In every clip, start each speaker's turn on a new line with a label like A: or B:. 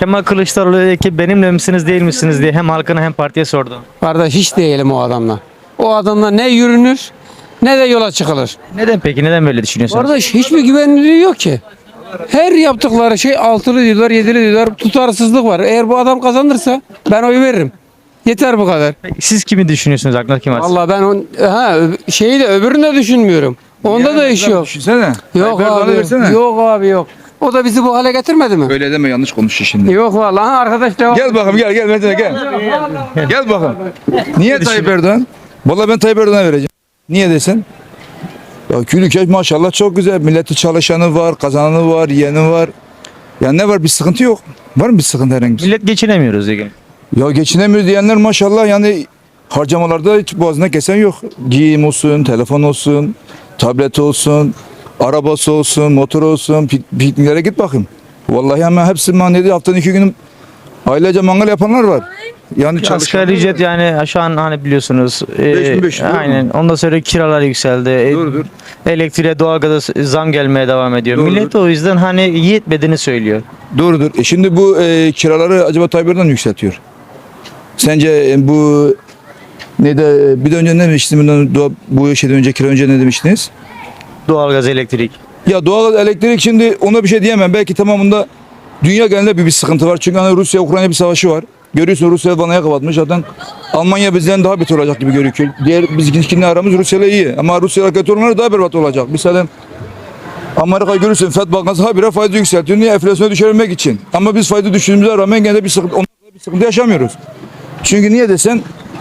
A: Kemal Kılıçdaroğlu dedi ki benimle misiniz değil misiniz diye hem halkına hem partiye sordu.
B: Kardeş hiç değilim o adamla. O adamla ne yürünür ne de yola çıkılır.
A: Neden peki? Neden böyle düşünüyorsunuz?
B: Kardeş hiçbir güvenilirliği yok ki. Her yaptıkları şey altılı diyorlar, yedili diyorlar. Tutarsızlık var. Eğer bu adam kazanırsa ben oy veririm. Yeter bu kadar.
A: Peki siz kimi düşünüyorsunuz? Aklınızda kim var?
B: Vallahi ben şeyi de öbürünü de düşünmüyorum. Onda da iş yok.
C: Düşünsene.
B: Yok
C: Tayyip Erdoğan'ı
B: abi.
C: versene.
B: Yok abi yok. O da bizi bu hale getirmedi mi?
C: Öyle deme, yanlış konuşuyor şimdi.
B: Yok vallahi arkadaş devam.
C: Gel bakalım, gel Metin, gel. Gel bakalım. Niye Tayyip Erdoğan? Vallahi ben Tayyip Erdoğan'a vereceğim. Niye desen? Ya ülke maşallah çok güzel. Milleti çalışanı var, kazananı var, yiyeni var. Ya ne var, bir sıkıntı yok. Var mı bir sıkıntı herhangi bir?
A: Millet geçinemiyoruz diye.
C: Ya geçinemiyor diyenler maşallah, yani harcamalarda hiç boğazına kesen yok. Giyim olsun, telefon olsun, tablet olsun, arabası olsun, motor olsun, pikniklere git bakayım. Vallahi hemen hepsi manedi, haftanın 2 günü ailece mangal yapanlar var. Yani
A: Asgari ücret yani şu an hani biliyorsunuz.
C: 5500 doğru mu?
A: Aynen. Ondan sonra kiralar yükseldi.
C: Doğrudur.
A: Elektriğe, doğalgaza zam gelmeye devam ediyor.
C: Doğrudur.
A: Millet o yüzden hani yetmediğini söylüyor.
C: Doğrudur. Şimdi bu kiraları acaba Tayyip Erdoğan yükseltiyor. Sence bu ne de bir de önce ne demiştiniz? Bu şeyden önce, kira önce ne demiştiniz?
A: Doğalgaz, elektrik.
C: Ya doğal elektrik, şimdi ona bir şey diyemem. Belki tamamında dünya genelinde bir sıkıntı var. Çünkü hani Rusya-Ukrayna bir savaşı var. Görüyorsun, Rusya vanaya kapatmış. Zaten Almanya bizden daha beter olacak gibi görünüyor. Diğer bizimkilerle aramız Rusya'yla iyi. Ama Rusya'yla kötü olanlar daha berbat olacak. Mesela Amerika görürsün, FED Bankası habire faizi yükseltiyor. Niye? Enflasyonu düşürmek için. Ama biz faizi düşürdüğümüze rağmen gene de bir sıkıntı yaşamıyoruz. Çünkü niye desen,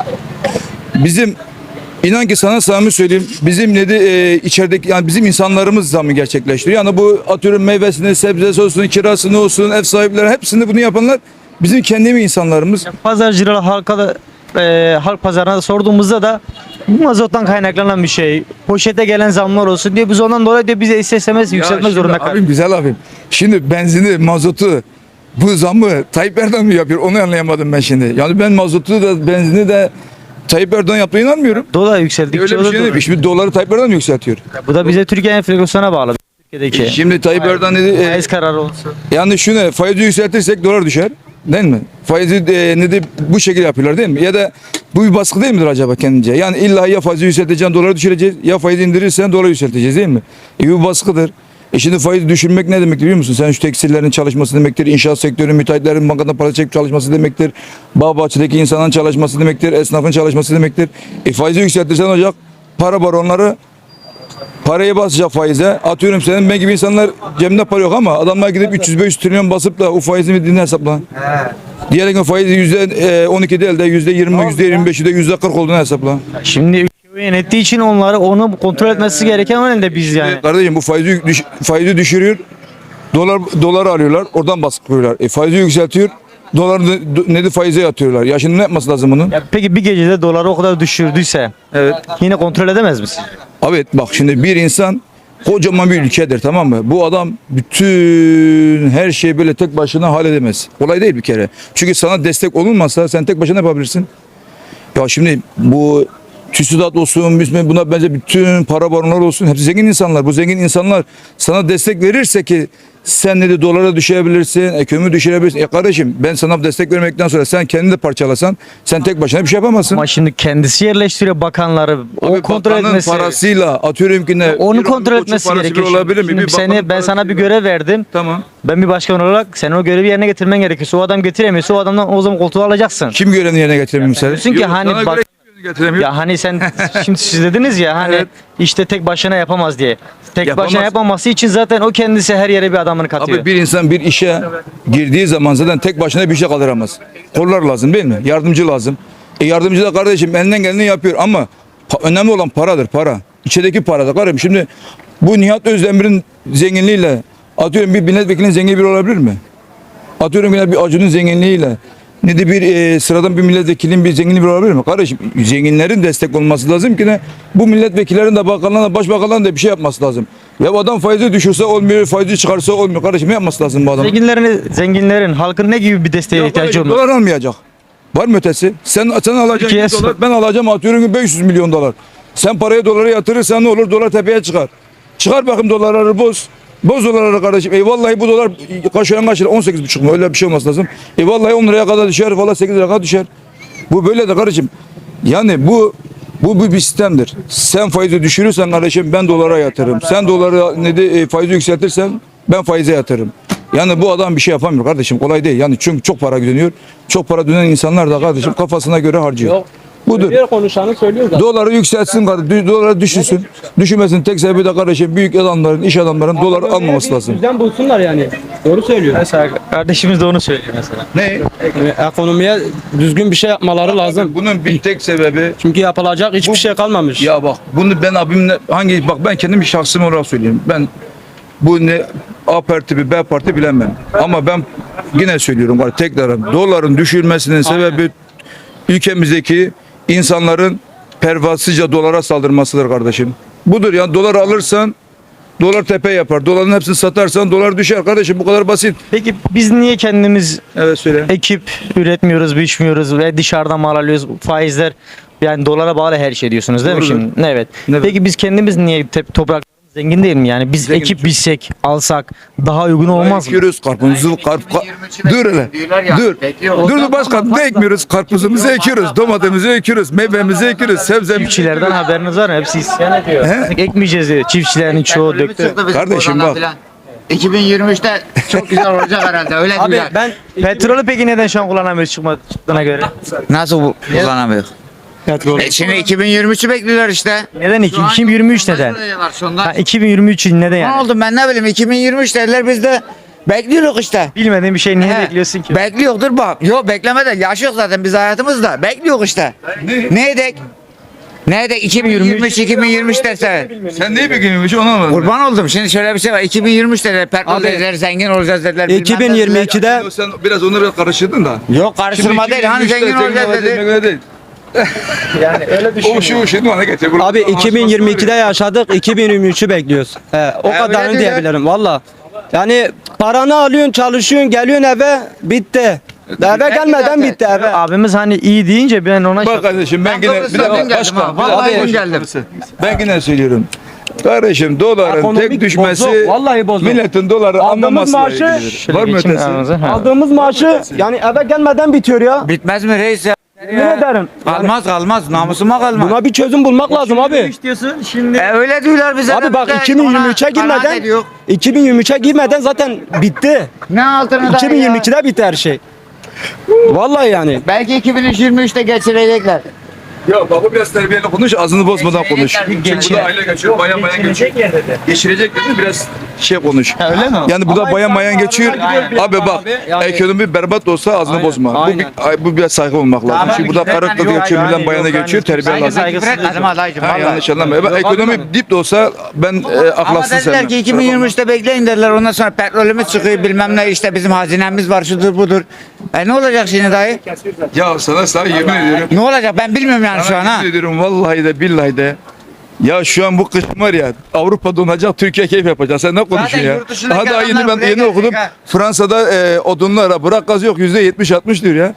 C: bizim inan ki sana samimi söyleyeyim, bizim içerideki, yani bizim insanlarımız zammı gerçekleştiriyor. Yani bu atıyorum meyvesini, sebzesi olsun, kirasını olsun, ev sahipleri, hepsini bunu yapanlar bizim kendi insanlarımız.
A: Pazarcılara, halka da halk pazarına da sorduğumuzda da bu mazottan kaynaklanan bir şey. Poşete gelen zamlar olsun diye biz ondan dolayı diyor bize istemez yükseltmek zorunda kalıyoruz.
C: Abim, güzel abim. Şimdi benzini, mazotu, bu zammı Tayyip Erdoğan mı yapıyor? Onu anlayamadım ben şimdi. Yani ben mazotu da benzini de Tayyip Erdoğan yaptığına inanmıyorum.
A: Dolar yükseldikçe
C: Öyle bir şey değil. Şimdi doları Tayyip Erdoğan mı yükseltiyor?
A: Bu da bize Türkiye enflasyona bağlı. Türkiye'deki.
C: Şimdi Tayyip Erdoğan dedi,
A: Faiz kararı olsun.
C: yani şunu, faizi yükseltirsek dolar düşer. Değil mi? Faizi bu şekilde yapıyorlar değil mi? Ya da bu bir baskı değil midir acaba kendince? Yani illa ya faizi yükselteceksin, doları düşüreceğiz, ya faizi indirirsen doları yükselteceğiz değil mi? Bu baskıdır. Şimdi faizi düşürmek ne demek biliyor musun? Sen şu tekstillerin çalışması demektir, inşaat sektörü, müteahhitlerin bankadan para çekip çalışması demektir, bağ bahçedeki insanın çalışması demektir, esnafın çalışması demektir. Faizi yükseltirsen olacak, para baronları parayı basacak faize. Atıyorum senin ben gibi insanlar cebinde para yok ama adamlar gidip 300-500 trilyon basıp da o faizini bildiğini hesapla. Diğer gün faizi %12 değil de %20, %25'i de %40 olduğunu hesapla.
A: Şimdi ülke yönettiği için onu kontrol etmesi gereken önemli de biz yani.
C: Kardeşim bu faizi düşürüyor. Dolar alıyorlar. Oradan baskı koyuyorlar. Faizi yükseltiyor. Doları faize yatıyorlar. Ya şimdi ne yapması lazım bunun?
A: Ya peki bir gecede doları o kadar düşürdüyse
C: Evet.
A: yine kontrol edemez misin?
C: Evet, bak şimdi bir insan kocaman bir ülkedir, tamam mı? Bu adam bütün her şeyi böyle tek başına halledemez. Kolay değil bir kere. Çünkü sana destek olunmazsa sen tek başına yapabilirsin. Ya şimdi bu TÜSİAD olsun, buna bence bütün para baronları olsun, hepsi zengin insanlar. Bu zengin insanlar sana destek verirse ki sen dolara düşebilirsin, ekonomi düşürebilirsin. Kardeşim, ben sana destek vermekten sonra sen kendini de parçalasan sen tek başına bir şey yapamazsın.
A: Ama şimdi kendisi yerleştiriyor bakanları. O kontrol
C: Bakanın
A: etmesi.
C: parasıyla atıyorum ki ne?
A: Onu
C: bir
A: kontrol
C: koçun
A: etmesi
C: parası
A: gerekiyor.
C: bile olabilir mi?
A: Şimdi
C: Bir bakanın
A: ben sana bir
C: parasıyla.
A: görev verdim.
C: Tamam.
A: Ben bir başkan olarak sen o görevi yerine getirmen gerekiyorsa o adam getiremiyorsa o adamdan o zaman koltuğu alacaksın.
C: Kim görevini yerine getiremiyor mesela?
A: diyorsun ki hani
C: sana
A: bak-
C: göre kim görevini getiremiyor?
A: Ya hani sen şimdi siz dediniz ya hani
C: Evet.
A: işte tek başına yapamaz diye. Tek
C: Yapamaz.
A: başına yapamaması için zaten o kendisi her yere bir adamını katıyor.
C: Abi bir insan bir işe girdiği zaman zaten tek başına bir şey kaldıramaz. Kollar lazım değil mi? Yardımcı lazım. Yardımcı da kardeşim elinden geleni yapıyor ama önemli olan paradır, para. İçerideki paradır kardeşim. Şimdi bu Nihat Özdemir'in zenginliğiyle atıyorum bir milletvekilinin zengin biri olabilir mi? Atıyorum yine bir Acun'un zenginliğiyle bir sıradan bir milletvekilinin bir zenginliği bir olabilir mi? Kardeşim zenginlerin destek olması lazım ki bu milletvekillerin de bakanlarına, başbakanların da bir şey yapması lazım. Ya bu adam faizi düşürse olmuyor, faizi çıkarsa olmuyor. Kardeşim ne yapması lazım bu adam?
A: Zenginlerin, halkın ne gibi bir desteğe ihtiyacı olur?
C: Dolar almayacak. Var mı ötesi? Sen alacaksın
A: Türkiye
C: 100 dolar, ben alacağım atıyorum ki 500 milyon dolar. Sen parayı dolara yatırırsan ne olur? Dolar tepeye çıkar. Çıkar bakayım dolarları boz. Boz dolarları kardeşim. Vallahi bu dolar kaşıyan kaç lira? 18,5 mu? Öyle bir şey olması lazım. Vallahi 10 liraya kadar düşer. Vallahi 8 liraya kadar düşer. Bu böyle de kardeşim. Yani bu bir sistemdir. Sen faizi düşürürsen kardeşim ben dolara yatırırım. Sen doları faizi yükseltirsen ben faize yatırırım. Yani bu adam bir şey yapamıyor kardeşim. Kolay değil. Yani çünkü çok para dönüyor. Çok para dönen insanlar da kardeşim kafasına göre harcıyor.
D: Yok.
C: Budur.
D: Diğer konuşanı söylüyor zaten.
C: Doları yükseltsin kardeşim. Doları düşürsün. Düşürmesin. Tek sebebi de kardeşim büyük adamların, iş adamların dolar almaması lazım.
D: Düzen bulsunlar yani. Doğru söylüyor.
A: Mesela kardeşimiz de onu söylüyor mesela.
C: Ne?
D: Ekonomiye düzgün bir şey yapmaları lazım.
C: Bunun bir tek sebebi
D: Çünkü yapılacak hiçbir şey kalmamış.
C: ya bak bunu ben abimle ben kendim bir şahsım olarak söyleyeyim. Ben bu ne A parti bir B parti bilemem. Ama ben yine söylüyorum var tekrar doların düşürmesinin sebebi ülkemizdeki insanların pervasızca dolara saldırmasıdır kardeşim. Budur yani doları alırsan dolar tepe yapar. Doların hepsini satarsan dolar düşer kardeşim bu kadar basit.
A: Peki biz niye kendimiz
C: Evet söyle.
A: ekip üretmiyoruz, biçmiyoruz ve dışarıdan mal alıyoruz? Faizler yani dolara bağlı her şey diyorsunuz değil mi
C: Doğrudur.
A: şimdi? Evet.
C: Evet.
A: Peki biz kendimiz niye topraklarımız zengin değil mi? Yani biz
C: Zengin.
A: ekip biçsek, alsak daha uygun olmaz mı?
C: Ekiyoruz karpuzumuzu dur hele. Dur başkan ne ekmiyoruz? Karpuzumuzu ekiyoruz, domatesimizi ekiyoruz, meyvemizi ekiyoruz, sebzemizi
A: Çiftçilerden haberiniz var mı? Hepsi isyan ediyor.
C: He?
A: Ekmeyeceğiz diyor. Çiftçilerin çoğu döktü.
C: Kardeşim bak.
E: 2023'te çok güzel olacak herhalde öyle
D: Abi
E: diyorlar.
D: ben
A: Petrolü peki neden şu an kullanamıyoruz çıktığına göre?
E: Nasıl kullanamıyor? Şimdi 2023'ü bekliyorlar işte.
A: Neden 2023 neden? Ha, 2023 neden
E: Ne
A: yani?
E: oldu ben ne bileyim 2023 dediler biz de bekliyoruz işte.
A: Bilmediğin bir şey niye
E: He.
A: bekliyorsun ki?
E: Bekliyordur bak. Yok beklemeden yaş yok zaten biz hayatımızda. Bekliyoruz işte. Ne edek? Ne edek 2023 dese.
C: Sen neyi bekliyorsun onu anlamadım.
E: Kurban oldum. Şimdi şöyle bir şey var. 2023 dediler. Petrol
D: Abi,
E: dediler. Zengin olacağız dediler. bilmem ne dediler.
D: 2022'de
C: Sen biraz onları biraz karıştırdın da.
E: Yok karıştırma değil. Hani zengin olacağız dedi.
C: Değil.
A: Yani öyle
C: O şu şimdi bana getir.
D: abi 2022'de yaşadık 2023'ü bekliyoruz. O
E: öyle
D: kadarını
E: diyorlar.
D: diyebilirim valla. Yani paranı alıyorsun çalışıyorsun geliyorsun eve bitti. Eve gelmeden
E: zaten.
D: bitti eve.
A: abimiz hani iyi deyince ben ona
C: Bak kardeşim ben yine
E: doğrusu
C: bir dakika
E: dün geldim
C: başkan.
E: ha. Vallahi
C: Abi,
E: dün geldim.
C: Ben yine söylüyorum. Kardeşim doların
D: Ekonomik
C: tek düşmesi
D: bozuk, vallahi bozuk.
C: milletin doları
D: Aldığımız
C: anlamasıyla
D: maaşı-
C: ilgilidir.
A: Şöyle
C: Var mı
A: geçeyim
C: ötesi?
A: aranıza. Ha.
D: Aldığımız maaşı yani eve gelmeden bitiyor ya.
E: Bitmez mi reis ya?
D: Yemin ederim.
E: Kalmaz kalmaz. Namusuma kalmaz.
D: Buna bir çözüm bulmak lazım abi.
A: diyorsun şimdi.
E: Öyle diyorlar bize.
D: Abi
E: de
D: bak
E: biz de ona
D: 2023'e
E: kanaat
D: girmeden
E: ediyor.
D: 2023'e girmeden zaten bitti.
E: Ne altını da
D: 2022'de bitti her şey. Vallahi yani.
E: Belki 2023'te geçirecekler.
C: Ya baba biraz terbiyeli konuş, ağzını bozmadan konuş.
E: Geçirecekler.
C: Çünkü bu da aile geçiyor, bayan geçiyor. Geçirecek dedi, biraz şey konuş.
A: Öyle mi?
C: Yani bu da bayan geçiyor. Abi bak,
D: Yani-
C: ekonomi berbat olsa ağzını
D: Aynen,
C: bozma.
D: aynen.
C: Bu biraz saygı olmak lazım.
E: Tamam,
C: Çünkü burada
E: güzel.
C: karı kız
E: Yok,
C: geçiyor,
A: yani
C: millet bayana
A: yok,
C: geçiyor,
A: yani
C: terbiye lazım.
E: Küfür etmedim adaycım.
C: Ha,
E: vallahi.
C: yanlış anlama. Ekonomi dip de olsa ben
E: Ama
C: ahlaksız
E: dediler
C: sevmem.
E: ki 2023'te bekleyin derler. Ondan sonra petrolümüz çıkıyor bilmem ne işte bizim hazinemiz var şudur budur. Ne olacak şimdi dayı?
C: Ya sana yemin ediyorum.
E: Ne olacak ben bilmiyorum yani şu an ha.
C: Yemin ediyorum vallahi de billahi de. Ya şu an bu kış var ya Avrupa donacak, Türkiye keyif yapacak. Sen ne konuşuyorsun ya?
E: yurt dışındaki
C: Daha yeni
E: adamlar
C: ben
E: buraya
C: yeni
E: gelecek
C: okudum.
E: ha.
C: Fransa'da odunlara bırak gaz yok %70-60 diyor ya.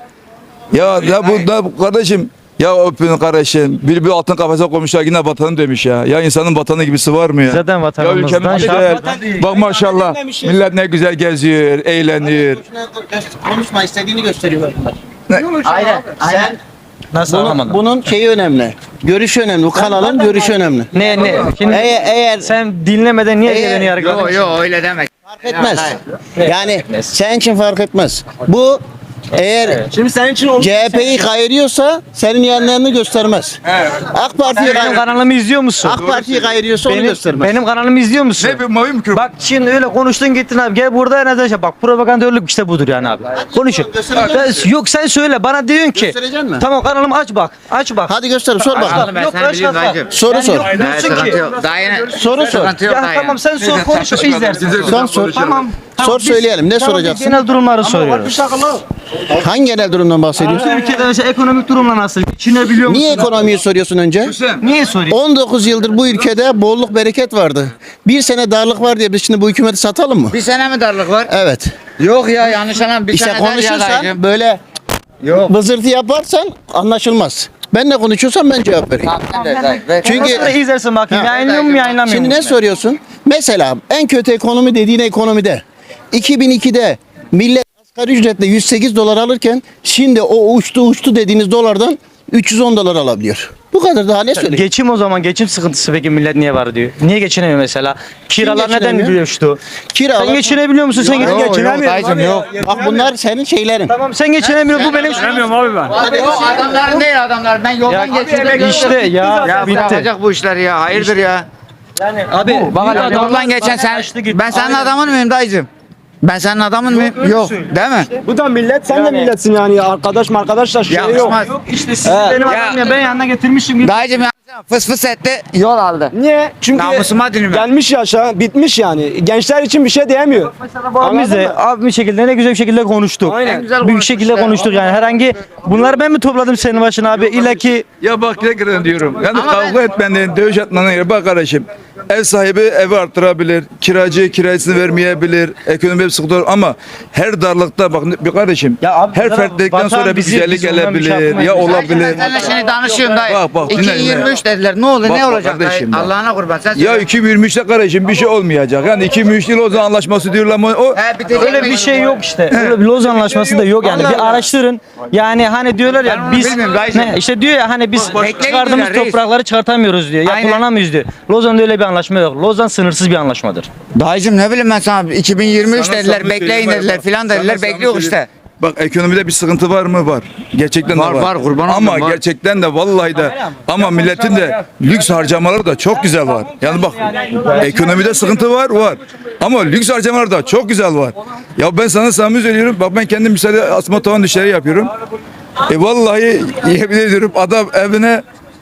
C: Ya bu kardeşim ya öpün kardeşim. Bir altın kafese koymuşlar yine vatanı demiş ya. Ya insanın vatanı gibisi var mı ya?
A: Zaten
C: Ya
A: vatanımızdan
C: ülkemiz
A: şart.
C: güzel. Bak maşallah. Millet ne güzel geziyor, eğleniyor.
F: Konuşma istediğini gösteriyor.
E: Aynen. Aynen.
A: Nasıl anlamadım?
F: Bunun şeyi önemli. Görüşü önemli. Bu kanalın görüşü önemli.
A: Ne? Şimdi
F: Eğer
A: sen dinlemeden niye
F: Eğer-
A: beni yargıladın?
E: Yok yok öyle demek.
F: fark etmez. Yani senin için fark etmez. Bu eğer
D: Şimdi senin için onu
F: CHP'yi kayırıyorsa senin yanlarını göstermez. AK Parti'yi
A: Benim kanalımı izliyor musun?
F: AK Parti'yi kayırıyorsa onu göstermez.
A: Benim kanalımı izliyor musun?
C: Ne bir mavi mikrofon?
A: Bak şimdi öyle konuştun gittin abi. Gel burada en azından şey. Bak propagandörlük işte budur yani abi. Konuşun. Yok sen söyle bana diyorsun ki.
F: Göstereceksin mi?
A: Tamam kanalımı aç bak. Aç bak.
F: Hadi göster sor
E: Anladım
F: bakalım.
E: ben
A: Yok,
E: seni biliyorum
A: başka-
E: dayıcım.
F: Soru sor.
E: Evet,
A: Diyorsun
E: sıkıntı
A: ki.
E: yok. Dayı
F: Soru sor.
E: sıkıntı yok
A: Ya
E: dayı.
A: tamam sen sor konuş izlersin.
F: Son sor.
A: Tamam.
F: Sor söyleyelim. Ne
A: Tamam, biz
F: soracaksın?
A: genel durumları soruyoruz.
F: Hangi genel durumdan bahsediyorsun?
A: Ülkede mesela ekonomik durumla nasıl? Geçinebiliyor musun?
F: Niye ekonomiyi soruyorsun önce?
A: Niye soruyorsun?
F: 19 yıldır bu ülkede bolluk bereket vardı. Bir sene darlık var diye biz şimdi bu hükümeti satalım mı?
E: Bir sene mi darlık var?
F: Evet.
E: Yok ya yanlış anlam. Bir
F: İşte
E: sene der ya
F: konuşursan
E: dayıcım.
F: böyle
E: Yok.
F: vızırtı yaparsan anlaşılmaz. Ben ne konuşuyorsam ben cevap vereyim.
E: Tamam sen de dayı. Ver.
F: Çünkü
A: Sonra izlersin bakayım.
F: Ha.
A: Yayınlıyor mu yayınlamıyor mu?
F: şimdi ne soruyorsun? Mesela en kötü ekonomi dediğin ekonomide 2002'de millet asgari ücretle 108 dolar alırken şimdi o uçtu dediğiniz dolardan 310 dolar alabiliyor. Bu kadar, daha ne söyleyeyim?
A: Geçim o zaman, geçim sıkıntısı peki millet niye var diyor. Niye geçinemiyor mesela? Kiralar neden
F: geçinemiyor?
A: düştü?
F: Kiralar-
A: Sen geçinebiliyor musun? Sen
E: Yok, yok
A: geçinemiyorsun.
E: dayıcım yok.
F: Bak bunlar senin şeylerin.
A: Tamam sen geçinemiyorsun, bu benim
E: O adamların değil adamlar. Ben yoldan geçiyorum.
A: İşte ya,
E: Ya
A: bitti.
E: bırakacak bu işleri ya. Hayırdır ya.
A: Abi
E: Bak yoldan geçen sen. Ben senin adamın mıyım dayıcım? Ben senin adamın mıyım? Yok. Değil mi?
D: Bu da millet, sen de milletsin yani. Arkadaşla şey yok.
E: Yakışmaz.
A: İşte siz benim adam ya, ben yanına getirmişim gibi.
E: Dayıcım ya fıs fıs etti. Yol aldı.
D: Niye? Çünkü
E: Namusuma dilim ben.
D: gelmiş yaşa, bitmiş yani. Gençler için bir şey diyemiyor.
A: Abimiz de bir şekilde ne güzel bir şekilde konuştuk.
D: Aynen.
E: güzel
A: Büyük şekilde
E: konuşmuşlar.
A: konuştuk yani. Herhangi bunları ben mi topladım senin başına abi? İlla ki
C: Ya bak tekrar diyorum. Yani kavga etmenin, dövüş etmenin yeri. Bak kardeşim. Ev sahibi evi arttırabilir. Kiracı kirasını vermeyebilir. Ekonomi bir sıkıntı olur ama her darlıkta bak bir kardeşim.
A: Ya abi,
C: her
A: bunlar
C: fertlikten
A: vatan
C: sonra bir
A: bizi-
C: güzellik
A: biz ondan bir şey
C: gelebilir.
A: yapmayız.
C: Ya
A: Dayıcım,
C: olabilir.
E: Seninle şimdi danışıyorum dayı.
C: Bak, dinle,
E: 2023 dediler. Ne olur
C: Bak,
E: ne
C: bak
E: olacak dayı?
C: kardeşim, bak.
E: Allah'ına kurban. Sen
C: Ya
E: söyle.
C: 2023'te kardeşim bir şey olmayacak. Yani 2023 yıl Lozan Anlaşması diyorlar ama o
E: He, bitecek
A: öyle
E: mi?
A: bir şey yok işte. Öyle bir Lozan Anlaşması da yok yani.
E: Allah
A: Bir
E: Allah.
A: araştırın. Yani hani diyorlar
E: Ben
A: ya
E: onu
A: biz
E: bilmiyorum dayıcım.
A: ne işte diyor ya hani biz
E: Bekleyin
A: çıkardığımız
E: diyorlar, reis.
A: toprakları çıkartamıyoruz diyor. Ya
E: Aynen.
A: kullanamıyoruz diyor. Lozan'da öyle bir anlaşma yok. Lozan sınırsız bir anlaşmadır.
E: Dayıcım ne bileyim ben sana 2023
C: Sana
E: dediler
C: samimi
E: bekleyin
C: söyleyeyim
E: dediler
C: bak.
E: filan
C: Sana
E: dediler
C: samimi
E: bekliyor
C: söyleyeyim.
E: işte.
C: Bak ekonomide bir sıkıntı var mı? Var. Gerçekten
E: Var,
C: de var.
E: var, kurban
C: Ama
E: olayım, var.
C: gerçekten de vallahi de ama milletin de lüks harcamaları da çok güzel var. Yani bak ekonomide sıkıntı var var. Ama lüks harcamalar da çok güzel var. Ya ben sana samimi söylüyorum. Bak ben kendim misali asma tavan işleri yapıyorum. Vallahi yemin ediyorum adam evine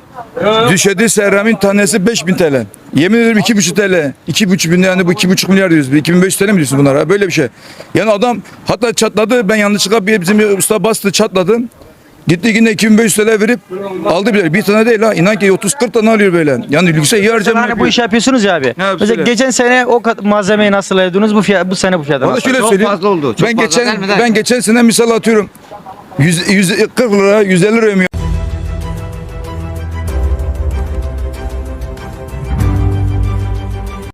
C: düşedi seramin tanesi 5000 TL. Yemin ederim 2,5 TL. 2,5 bin yani bu 2,5 milyar diyoruz. 2500 TL mi diyorsun bunlara? Böyle bir şey. Yani adam hatta çatladı. Ben yanlışlıkla bizim bir usta bastı çatladı. Gitti yine 2500 TL verip aldı bir tane değil ha. İnan ki 30-40 tane alıyor böyle. Yani lükse iyi harcama
A: Hani bu
C: yapıyor.
A: işi yapıyorsunuz ya abi.
C: yapıyorsun?
A: Mesela geçen sene o malzemeyi nasıl ödediniz? Bu sene bu fiyata
C: Valla
A: nasıl?
C: şöyle
E: Çok
C: söyleyeyim.
E: fazla oldu, çok
C: ben
E: fazla
C: geçen
E: gelmeden.
C: ben geçen sene misal atıyorum. 140 lira 150 lira ödüyorum.